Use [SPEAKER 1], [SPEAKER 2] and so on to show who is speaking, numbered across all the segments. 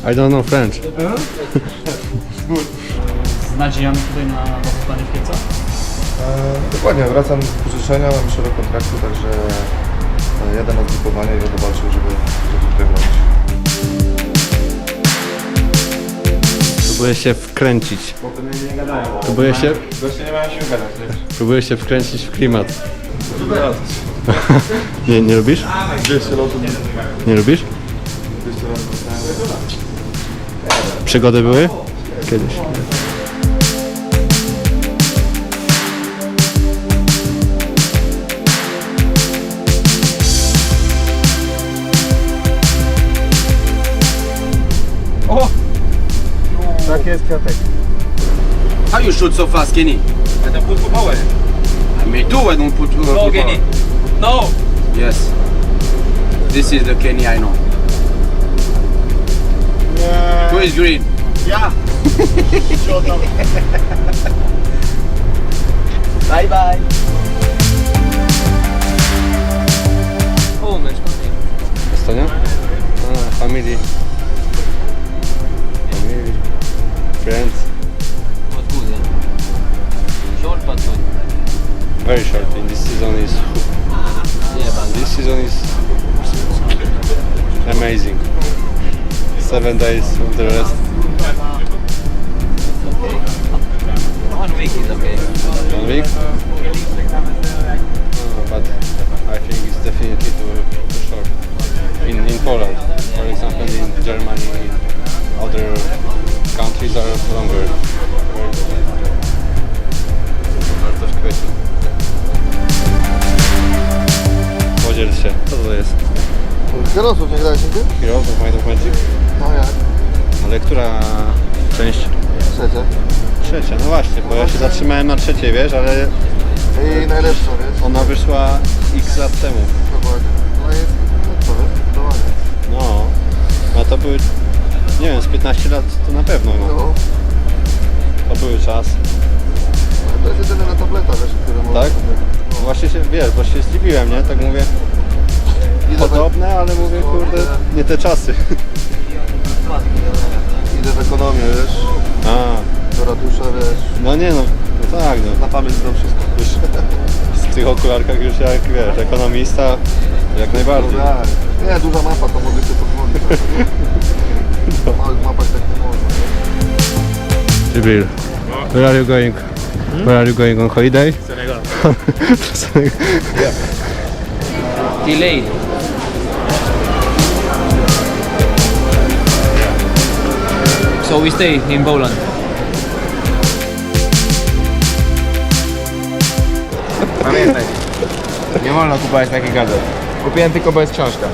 [SPEAKER 1] I don't know French.
[SPEAKER 2] Z nadziejami tutaj na zostanie w Kielcach?
[SPEAKER 3] Dokładnie, wracam z pożyczenia, mam jeszcze rok kontraktu, także jadę na zgrupowanie i będę walczył, żeby tutaj bronić.
[SPEAKER 1] Próbuję się wkręcić.
[SPEAKER 3] Nie gadają.
[SPEAKER 1] Próbuję się...
[SPEAKER 3] Goście nie mają się gadać, wiesz?
[SPEAKER 1] Próbuję się wkręcić w klimat. Nie lubisz?
[SPEAKER 3] 200 lotów.
[SPEAKER 1] Nie lubisz?
[SPEAKER 3] 200 lotów.
[SPEAKER 1] Przygody były? Kiedyś.
[SPEAKER 3] Tak jest, Kwiatek.
[SPEAKER 4] How you shoot so fast, Kenny?
[SPEAKER 3] I don't put power.
[SPEAKER 4] Me too, I don't put
[SPEAKER 2] No, Kenny. No!
[SPEAKER 4] Yes. This is the Kenny I know. Who is green?
[SPEAKER 3] Ja!
[SPEAKER 4] Bye bye.
[SPEAKER 2] O, mecz.
[SPEAKER 1] Estonia? Family. Family. Friends.
[SPEAKER 2] But good, yeah. Short but good.
[SPEAKER 1] Very short. In this season is...
[SPEAKER 2] Yeah, but
[SPEAKER 1] This season is amazing. 7 days of the rest.
[SPEAKER 2] okay. 1 week is okay.
[SPEAKER 1] 1 week? But I think it's definitely too short. In Poland, for example, in Germany, other countries are longer. Bardzo w kwietniu. Podziel się. Co to jest?
[SPEAKER 3] Kierowców nie grałeś nigdy?
[SPEAKER 1] Heroes of Might of Magic?
[SPEAKER 3] No jak?
[SPEAKER 1] Ale która część?
[SPEAKER 3] Trzecia.
[SPEAKER 1] Trzecia, no właśnie, bo ja się zatrzymałem na trzeciej, wiesz, ale
[SPEAKER 3] I najlepsza, wiesz?
[SPEAKER 1] ona wyszła x lat temu.
[SPEAKER 3] Dokładnie. No jest, no co wiesz? Zdecydowanie.
[SPEAKER 1] No to były, nie wiem, z 15 lat to na pewno, no.
[SPEAKER 3] No.
[SPEAKER 1] To były czas.
[SPEAKER 3] To jest jedyna na tableta, wiesz, który można
[SPEAKER 1] Tak?
[SPEAKER 3] sobie... No.
[SPEAKER 1] Właśnie się, wiesz, bo się zdziwiłem, nie? Tak mówię,
[SPEAKER 3] Idę
[SPEAKER 1] podobne, ale mówię, kurde, nie te czasy.
[SPEAKER 3] Idę w ekonomię, wiesz?
[SPEAKER 1] A,
[SPEAKER 3] Do ratusza, wiesz?
[SPEAKER 1] no nie no, no tak, no.
[SPEAKER 3] Na pamięć znam wszystko.
[SPEAKER 1] Już w tych okularkach już jak, wiesz, ekonomista, jak najbardziej.
[SPEAKER 3] No tak. Nie, duża mapa, to mogę się podglądać. W małych mapach tak nie można.
[SPEAKER 1] Jibril, where are you going? Where are you going on holiday?
[SPEAKER 2] Senegal.
[SPEAKER 1] Senegal.
[SPEAKER 2] Delayed. So we stay in Poland.
[SPEAKER 5] Pamiętaj, nie wolno kupować takich gazet. Kupiłem tylko, bo jest książka.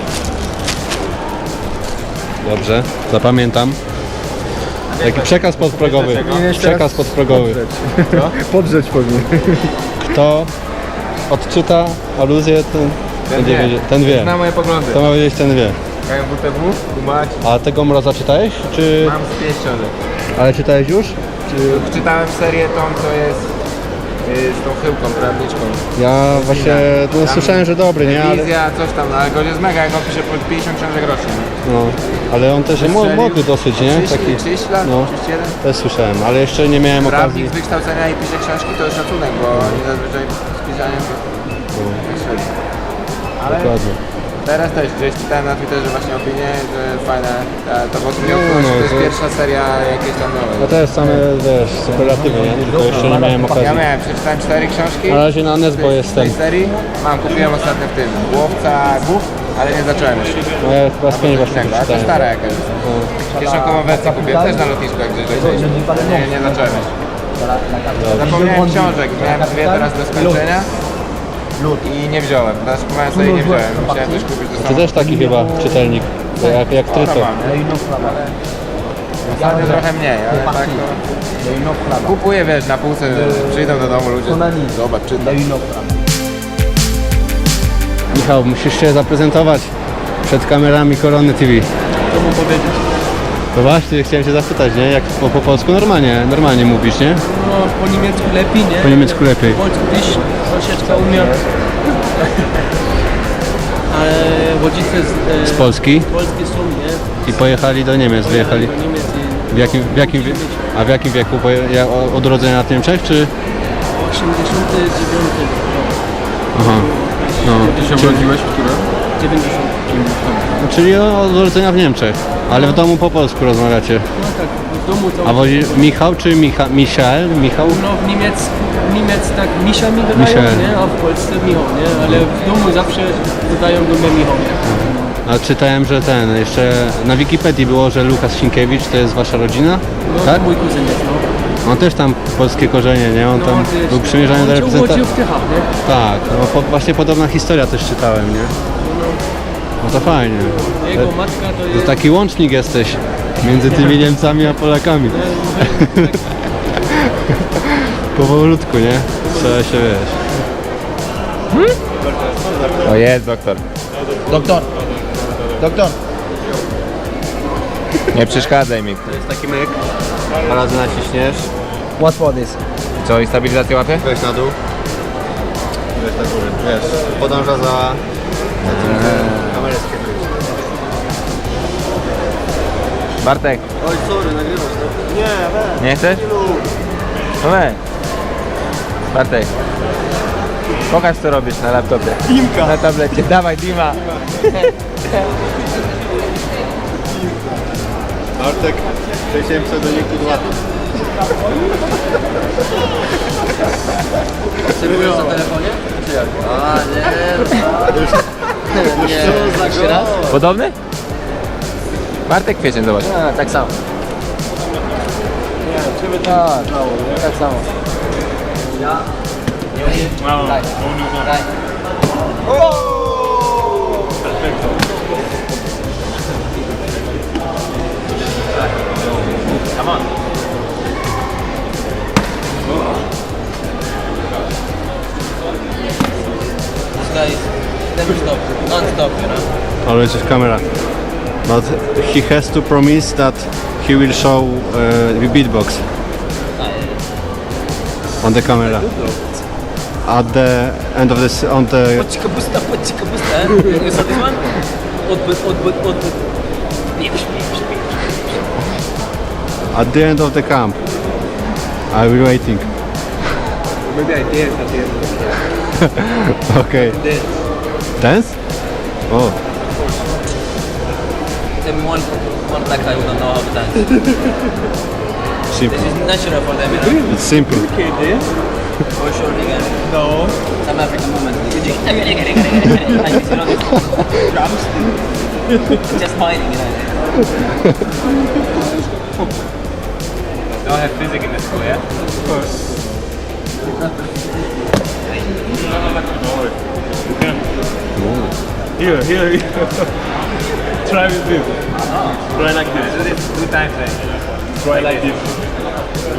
[SPEAKER 1] Dobrze, zapamiętam. Taki przekaz podprogowy. Przekaz podprogowy.
[SPEAKER 3] Podrzeć powinien.
[SPEAKER 1] Kto odczyta aluzję, ten
[SPEAKER 5] wie.
[SPEAKER 1] ten wie.
[SPEAKER 5] Zna moje poglądy.
[SPEAKER 1] To ma wiedzieć, ten wie.
[SPEAKER 5] KMWTW, kumać,
[SPEAKER 1] A tego Mroza czytałeś? Czy...
[SPEAKER 5] mam z 5 książek.
[SPEAKER 1] Ale czytałeś już?
[SPEAKER 5] Czytałem serię tą, co jest z tą chyłką, prawniczką.
[SPEAKER 1] Ja właśnie no, słyszałem, że dobry, nie? Ale,
[SPEAKER 5] Wizja, coś tam, no, ale gość jest mega, jak on pisze po 50 książek rocznie.
[SPEAKER 1] no, ale on też jest młody dosyć, nie?
[SPEAKER 5] 30 lat,
[SPEAKER 1] no,
[SPEAKER 5] 31.
[SPEAKER 1] też słyszałem, ale jeszcze nie miałem
[SPEAKER 5] Prawnik
[SPEAKER 1] okazji.
[SPEAKER 5] z wykształcenia i pisze książki, to jest szacunek, bo oni zazwyczaj z pisaniem to tak średnio. Ale
[SPEAKER 1] Dokładnie.
[SPEAKER 5] teraz też gdzieś czytałem na Twitterze właśnie opinię, że fajne, to bo
[SPEAKER 1] No,
[SPEAKER 5] to jest
[SPEAKER 1] to-
[SPEAKER 5] pierwsza seria jakiejś tam nowej.
[SPEAKER 1] No to jest same, wiesz, superlatywy, nie? Tylko jeszcze nie miałem okazji.
[SPEAKER 5] Ja miałem, przeczytałem 4 książki.
[SPEAKER 1] Na razie na Nesbo
[SPEAKER 5] z
[SPEAKER 1] jestem.
[SPEAKER 5] tej serii. Kupiłem ostatnio w tym, Łowca Głów, ale nie zacząłem jeszcze.
[SPEAKER 1] No ja chyba z 5 właśnie
[SPEAKER 5] A to
[SPEAKER 1] przeczytałem.
[SPEAKER 5] stara jakaś. Kieszonkową wersję kupiłem też na lotnisku, jak gdzieś lecieliśmy. Nie zacząłem jeszcze. Zapomniałem książek, miałem 2 teraz do skończenia. I nie wziąłem, teraz kupowałem sobie i nie wziąłem. Musiałem też kupić do
[SPEAKER 1] Ty
[SPEAKER 5] samochodu.
[SPEAKER 1] też taki chyba czytelnik, jak Tryto.
[SPEAKER 5] Ostatnio trochę mniej, ale tak to... Kupuję, wiesz, na półce, przyjdą do domu ludzie, zobacz, czytam.
[SPEAKER 1] Michał, musisz się zaprezentować przed kamerami Korony TV.
[SPEAKER 2] Co mam powiedzieć?
[SPEAKER 1] No właśnie, chciałem się zapytać, nie? Jak po polsku normalnie mówisz, nie?
[SPEAKER 2] No, po niemiecku lepiej, nie?
[SPEAKER 1] Po niemiecku lepiej.
[SPEAKER 2] Po polsku też troszeczkę umiem. Ale rodzice
[SPEAKER 1] Z Polski?
[SPEAKER 2] polskie są, nie?
[SPEAKER 1] I pojechali do Niemiec, wyjechali.
[SPEAKER 2] Do Niemiec i
[SPEAKER 1] W jakim wieku? Od urodzenia w Niemczech, czy?
[SPEAKER 2] 89.
[SPEAKER 1] Aha. No.
[SPEAKER 5] Ty się urodziłeś w którym?
[SPEAKER 2] 90.
[SPEAKER 1] Czyli od urodzenia w Niemczech, ale w domu po polsku rozmawiacie.
[SPEAKER 2] No tak, w domu to...
[SPEAKER 1] A wozi Michał czy Michael? Michał?
[SPEAKER 2] No w Niemiec tak Misia mi dodają,
[SPEAKER 1] Michael.
[SPEAKER 2] nie? A w Polsce Michał, nie? Ale w domu zawsze dodają do mnie Michał, nie?
[SPEAKER 1] A czytałem, że jeszcze na Wikipedii było, że Lukasz Sienkiewicz to jest wasza rodzina?
[SPEAKER 2] No
[SPEAKER 1] Tak?
[SPEAKER 2] to mój kuzyn jest, no.
[SPEAKER 1] On też tam polskie korzenie, nie? On tam
[SPEAKER 2] to jest-
[SPEAKER 1] był przymierzany do
[SPEAKER 2] on się urodził
[SPEAKER 1] reprezentacji.
[SPEAKER 2] w Tychach, nie?
[SPEAKER 1] Tak, no właśnie podobna historia też czytałem, nie? No to fajnie.
[SPEAKER 2] Jego matka to
[SPEAKER 1] To
[SPEAKER 2] jest...
[SPEAKER 1] taki łącznik jesteś między tymi Niemcami a Polakami. Powolutku, nie? Trzeba się, wiesz.
[SPEAKER 5] O, jest doktor.
[SPEAKER 3] Doktor!
[SPEAKER 5] Nie przeszkadzaj mi.
[SPEAKER 1] To jest taki myk. Dwa razy naciśniesz.
[SPEAKER 2] What for this?
[SPEAKER 5] Co, i stabilizację łapie?
[SPEAKER 1] Weź na dół. Weź na górę. Wiesz, podąża za tym, kamerę skierujesz.
[SPEAKER 5] Bartek,
[SPEAKER 1] Oj, sorry, nagrywasz to? Nie,
[SPEAKER 5] nie chcesz? No weź. Bartek. Pokaż co robisz na laptopie. Dimka. Na tablecie. Dawaj Dima.
[SPEAKER 1] Bartek, przejdziemy do niku 2.
[SPEAKER 2] Obserwujesz na telefonie? Czy jak? A nie. Nie, jeszcze raz?
[SPEAKER 5] Podobny? Bartek Kwiecień, zobacz.
[SPEAKER 2] A, tak samo. Tak, tak samo. Ja? Daj. Daj.
[SPEAKER 5] Come on.
[SPEAKER 2] This guy is never stop, non-stop, you know?
[SPEAKER 1] Always with camera. But he has to promise that he will show the beatbox on the camera. At the end of this, on the...
[SPEAKER 2] Poczka pusta, eh? You saw this one? Odbyt. Pieprz.
[SPEAKER 1] At the end of the camp. I will waiting.
[SPEAKER 2] Maybe I dance at the end.
[SPEAKER 1] Okay.
[SPEAKER 2] Dance.
[SPEAKER 1] Dance? Oh.
[SPEAKER 2] Tell me one black guy who don't know how to dance.
[SPEAKER 1] Simple.
[SPEAKER 2] This is natural for them, you know?
[SPEAKER 1] It's simple.
[SPEAKER 2] For sure, nigga. No. Some African movement. Like this, you know, this drums. Just fighting, you know.
[SPEAKER 5] Don't have physics in the school, yeah?
[SPEAKER 6] Here. Try with this. Try like this.
[SPEAKER 5] Do this 2 times then.
[SPEAKER 6] Try like this.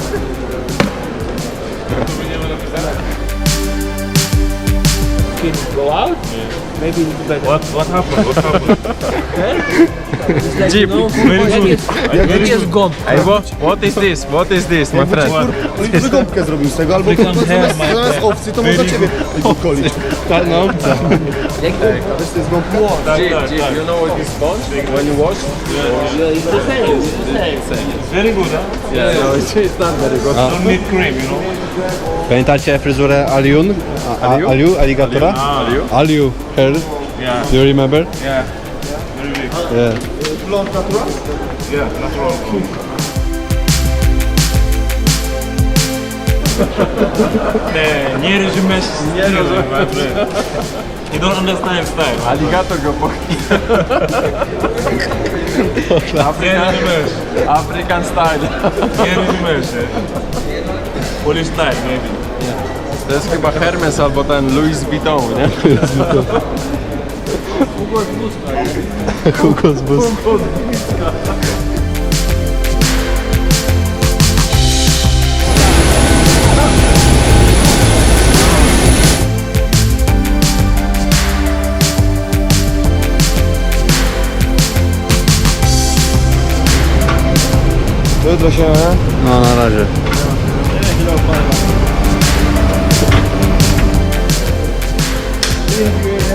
[SPEAKER 2] Kids go out. Maybe better.
[SPEAKER 6] What happened? What happened?
[SPEAKER 2] Like,
[SPEAKER 5] Jeep.
[SPEAKER 2] you know,
[SPEAKER 6] Very
[SPEAKER 2] jak jest gąb.
[SPEAKER 5] Hey, what is this? What is this, my friend?
[SPEAKER 3] Wygąbkę zrobił z tego, albo zamiast owcy to można ciebie golić.
[SPEAKER 1] Czarna obca.
[SPEAKER 2] Jak
[SPEAKER 3] Wiesz, to jest gąbka?
[SPEAKER 5] You know what is sponge when you wash?
[SPEAKER 2] It's the same.
[SPEAKER 6] It's very good, huh?
[SPEAKER 5] Yeah, no, it's not very good.
[SPEAKER 6] Don't need cream, you know.
[SPEAKER 1] Pamiętacie fryzurę Aliun? Aliu? Aligatora? Aliu hair.
[SPEAKER 6] Yeah.
[SPEAKER 1] Do you remember?
[SPEAKER 6] Yeah. Very big.
[SPEAKER 1] Yeah.
[SPEAKER 3] Blond natural?
[SPEAKER 6] Yeah, natural. Nie rozumiesz stylu, my friend. You don't understand style.
[SPEAKER 5] Aligator go pochni.
[SPEAKER 6] Nie rozumiesz.
[SPEAKER 5] African style.
[SPEAKER 6] Nie rozumiesz. Polish style, maybe.
[SPEAKER 5] To jest chyba Hermes albo ten Louis Vuitton, nie?
[SPEAKER 1] Hugo z bus.
[SPEAKER 3] Jutro się, nie?
[SPEAKER 1] No na razie.
[SPEAKER 3] Dziękuję.